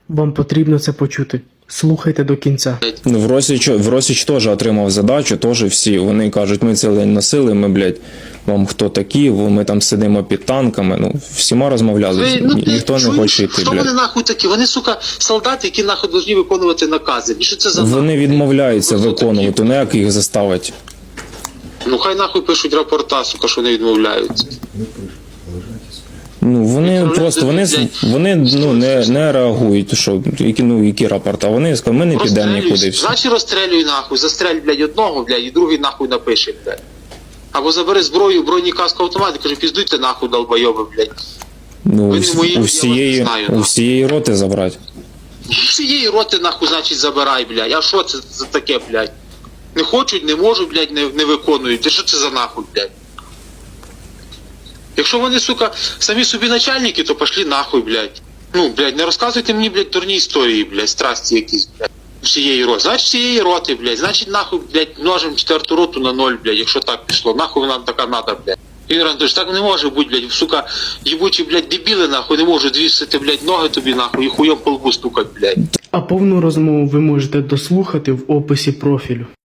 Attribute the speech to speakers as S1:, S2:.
S1: Вам потрібно це почути. Слухайте до кінця.
S2: Ну, в Росіч теж отримав задачу, теж всі. Вони кажуть, ми цілий день носили, ми, блядь, вам хто такі, ми там сидимо під танками. Ну, всіма розмовляли, ніхто не хоче йти,
S3: Хто
S2: блядь.
S3: вони нахуй такі? Вони, сука, солдати, які нахуй повинні виконувати накази. І що це за
S2: Вони
S3: нахуй?
S2: відмовляються
S3: Хто
S2: виконувати,
S3: такі?
S2: ну як їх заставить?
S3: Ну хай нахуй пишуть рапорта, сука, що вони відмовляються.
S2: Ну, вони просто, вони ну, не реагують, що, які рапорти, вони скажуть, ми не підемо нікуди. Все.
S3: Значить розстрелюй нахуй, застрель, блядь, одного, блядь, і другий нахуй напише, блядь. Або забери зброю, броній каску автомат і каже, піздуйте нахуй, долбойоби, блядь.
S2: Ну,
S3: Ви не мої, я вас не знаю,
S2: у всієї роти забрати.
S3: Всієї роти нахуй, значить, забирай, блядь. А що це за таке, блядь? Не хочуть, не можуть, блядь, не виконують. Та що це за нахуй, блядь? Якщо вони, сука, самі собі начальники, то пошли нахуй, блядь. Ну, блядь, не розказуйте мені, блядь, дурні історії, блядь, страсті якісь, блядь. Всієї роти. Значить, всієї роти, блядь. Значить, нахуй, блядь, множимо 4-ту роту на 0, блядь, якщо так пішло. Нахуй нам така надо, блядь. Ігор Анатолійович, так не може бути, блядь, сука, єбучі, блядь, дебіли, нахуй, не можуть звісити, блядь, ноги тобі, нахуй, і хуйом по лбу стукать, блядь.
S1: А повну розмову ви можете дослухати в описі профілю.